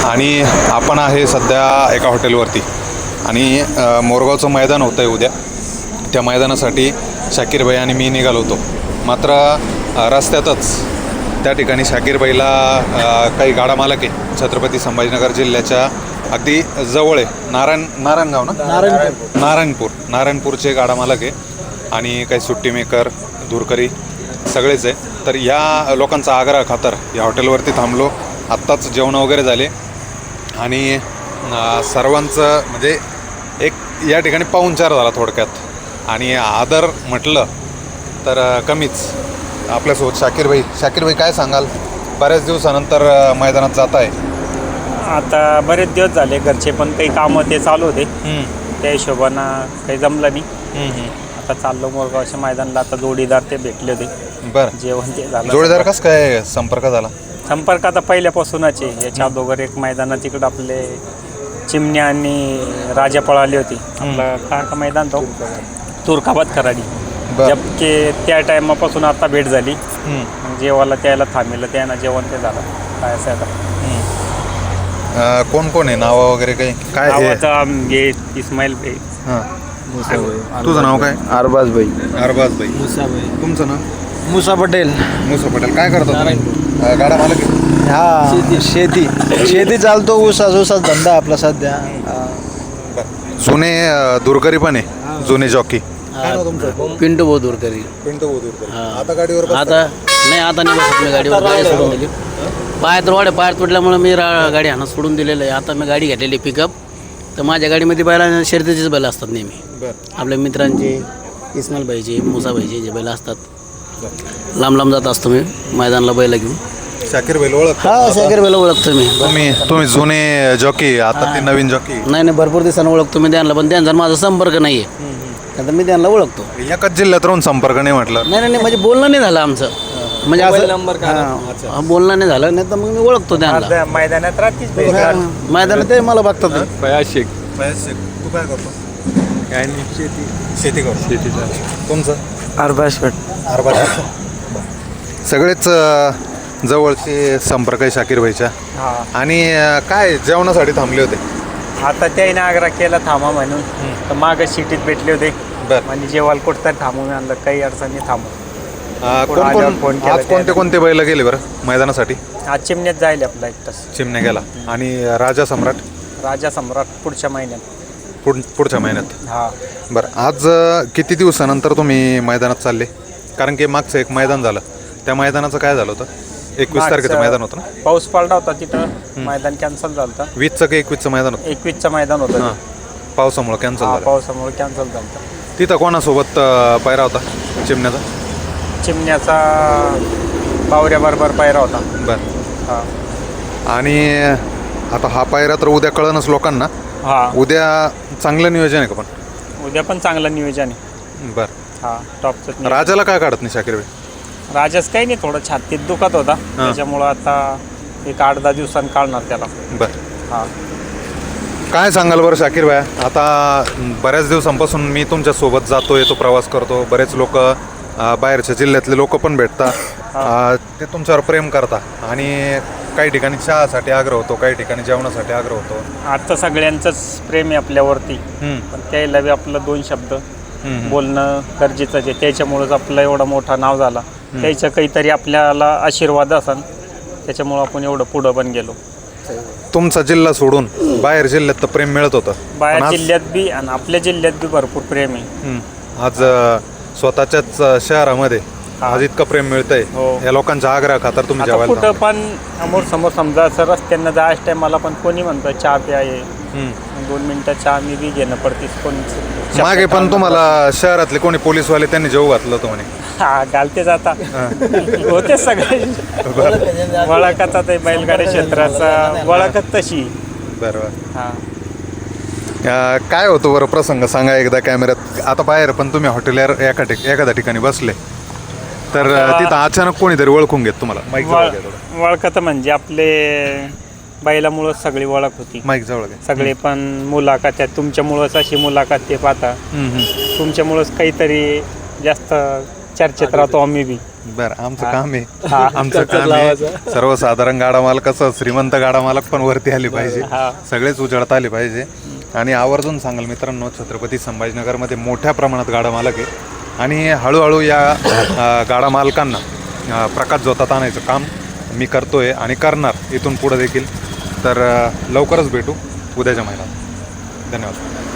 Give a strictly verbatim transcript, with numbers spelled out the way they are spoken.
आणि आपण आहे सध्या एका हॉटेलवरती आणि मोरगावचं मैदान होतं आहे उद्या. त्या मैदानासाठी शाकीर भाई आणि मी निघालो होतो. मात्र रस्त्यातच त्या ठिकाणी शाकीर भाईला काही गाडा मालक आहे छत्रपती संभाजीनगर जिल्ह्याच्या अगदी जवळ आहे नारायण नारायणगाव ना नारायणपूर नारायणपूर नारायणपूरचे गाडा मालक आहे आणि काही सुट्टी मेकर दूरकरी सगळेच आहे. तर या लोकांचा आग्रह खातर या हॉटेलवरती थांबलो. आत्ताच जेवण वगैरे झाले आणि सर्वांचं म्हणजे एक या ठिकाणी पाहुणचार झाला थोडक्यात आणि आदर म्हटलं तर कमीच. आपल्यासोबत शाकीर भाई. शाकीर भाई काय सांगाल, बऱ्याच दिवसानंतर मैदानात जात आहे? आता बरेच दिवस झाले, घरचे पण काही कामं ते चालू होते, त्या हिशोबानं काही जमलं नाही. आता चाललो मोरगावच्या मैदानाला. आता जोडीदार ते भेटले होते. बरं, जेवण ते झालं. जोडीदार कसं काय संपर्क झाला? संपर्क आता पहिल्यापासूनच आहे. याच्या अगोदर एक मैदानात तिकडं आपले चिमण्या आणि राजा पळाली होती. आपलं काय का मैदान तो तुर्काबाद खराडी. जबके त्या टायमापासून आता भेट झाली. जेवायला त्याला थांबलं, त्यानं जेवण ते झालं. काय असं आता कोण कोण आहे, नाव वगैरे काही काय? हे इस्माईल भाई. हां, तुझं नाव काय? अरबाज भाई. अरबाज भाई. मुसा भाई. तुमचं नाव? मुसा पटेल. मुसा पटेल. काय करतो तुम्ही? गाडा मालक आहे? हा, शेती शेती चालतो. ऊसाच ऊसाच धंदा आपला सध्या. जुने दूरकरी पण आहे, जुने जॉकी. काय नाव तुमचं? पिंटू भाऊ दूरकरी. पिंटू दूरकरी. आता गाडीवर आता नाही, आता नाही बसत मी गाडीवर. गाडी सोडून दिली. पायात रोड पायात तुटल्यामुळे मी रा गाडी हाणं सोडून दिलेलं आहे. आता मी गाडी घेतलेली पिकअप. तर माझ्या गाडीमध्ये बैला शर्यतीचेच बैल असतात नेहमी. आपल्या मित्रांचे, इस्माईल भाईचे, मुसा भाईचे जे बैल असतात. लांब लांब जात असतो मी मैदानाला बैला घेऊन. शाकीर भाई ओळख? हा, शाकीर भाईला ओळखतो मी. तुम्ही तुम्ही जुने जॉकी, आता ते नवीन जॉकी? नाही नाही, भरपूर दिवसांना ओळखतो मी त्यांना, पण त्यांचा माझा संपर्क नाही आहे. आता मी त्यांना ओळखतो. एकाच जिल्ह्यात राहून संपर्क नाही म्हटलं? नाही नाही, म्हणजे बोलणं नाही झालं आमचं. म्हणजे असं हां, बोलणं नाही झालं, नाही तर मग मी ओळखतो त्यांना. मैदानात राहतीच मैदानात ते मला बघतात. फयाज शेख. फयाज शेख. तू काय करतो? काय नाही, शेती शेती करतो. शेती. तुमचं? अरबाज पट. अरबाज. सगळेच जवळचे संपर्क आहे शाकीर भाईच्या. आणि काय जेवणासाठी थांबले होते? आता त्याने आग्रह केला थांबा म्हणून, तर मागं सिटीत भेटले होते. म्हणजे जेवायला कुठं तर थांबून आणलं, काही अडचणी थांबू. कोण आज कोणते कोणते बैल गेले बरं मैदानासाठी? आज चिमण्यात जाईल आपला एक तास. चिमण्या गेला. आणि राजा सम्राट? राजा सम्राट पुढच्या महिन्यात. पुढ पुढच्या महिन्यात. हां. बरं, आज किती दिवसानंतर तुम्ही मैदानात चालले? कारण की मागचं एक मैदान झालं, त्या मैदानाचं काय झालं होतं? एकवीस तारखेचं मैदान होतं ना? पाऊस पडला होता तिथं, मैदान कॅन्सल झालं होतं. वीसचं की एकवीसचं मैदान होतं? एकवीसचं मैदान होतं. हां, पावसामुळं कॅन्सल झालं. पावसामुळे कॅन्सल झालं. तिथं कोणासोबत पायरा होता चिमण्याचा? चिमण्याचा बावऱ्याबरोबर पायरा होता. बरं. हां. आणि आता हा पायरा तर उद्या कळणच लोकांना. हां, उद्या चांगलं नियोजन आहे का? पण उद्या पण चांगलं नियोजन आहे. बरं. हां, टॉपचं. राजाला काय काढत नाही शाकीर भाई? राजाच काही नाही, थोडं छातीत दुखत होता, त्याच्यामुळं आता एक आठ दहा दिवसांनी काढणार त्याला. बरं. हां. काय सांगाल बरं शाकीर भाई? आता बऱ्याच दिवसांपासून मी तुमच्या सोबत जातो, येतो, प्रवास करतो. बरेच लोक बाहेरच्या जिल्ह्यातले लोक पण भेटतात, ते तुमच्यावर प्रेम करता आणि काही ठिकाणी चहासाठी आग्रह होतो, काही ठिकाणी जेवणासाठी आग्रह होतो. आता सगळ्यांचंच प्रेम आहे आपल्यावरती, पण त्याला बी आपलं दोन शब्द बोलणं गरजेचंच आहे. त्याच्यामुळंच आपलं एवढं मोठं नाव झाला. त्याचं काहीतरी आपल्याला आशीर्वाद असन, त्याच्यामुळं आपण एवढं पुढं पण गेलो. तुमचा जिल्हा सोडून बाहेर जिल्ह्यात तर प्रेम मिळत होतं, बाहेर जिल्ह्यात बी आणि आपल्या जिल्ह्यात बी भरपूर प्रेम आहे. आज स्वतःच्याच शहरामध्ये आज इतकं प्रेम मिळतंय. या लोकांचा आग्रह खातर तुम्ही जेवायला कुठं पण समोर समोर समजा असं रस्त्यांना जायचं टायमाला पण कोणी म्हणतं चहा प्या आहे, दोन मिनिटं चहा मी बी घेणं पडतीस. कोण मागे पण तुम्हाला शहरातले कोणी पोलीसवाले त्यांनी जेव घातलं होतं म्हणे? हा, घालतेच आता. होते सगळे वळखचा, ते बैलगाडी क्षेत्राचा वळखच तशी. बरोबर. हां. काय होतं बरं प्रसंग सांगा एकदा कॅमेऱ्यात. आता बाहेर पण तुम्ही हॉटेलवर एका ठिक एखाद्या ठिकाणी बसले तर तिथं अचानक कोणीतरी ओळखून घेत तुम्हाला? माईक जवळ. वळखत म्हणजे आपले बैलामुळंच सगळी ओळख होती. माईक जवळ. सगळे पण मुलाखत तुमच्यामुळंच अशी मुलाखत ते पाहता, तुमच्यामुळंच काहीतरी जास्त चर्चेत राहतो आम्ही बी. बरं, आमचं काम आहे हा. आमचं काम आहे सर्वसाधारण गाडा मालक कसं श्रीमंत गाडा मालक पण वरती आले पाहिजे, हा. सगळेच उजळता आले पाहिजे. आणि आवर्जून सांगाल मित्रांनो, छत्रपती संभाजीनगरमध्ये मोठ्या प्रमाणात गाडा मालक आहे आणि हळूहळू या अ, गाडा मालकांना अ, प्रकाश जोतात आणायचं काम मी करतोय आणि करणार इथून पुढं देखील. तर अ, लवकरच भेटू उद्याच्या महिन्यात. धन्यवाद.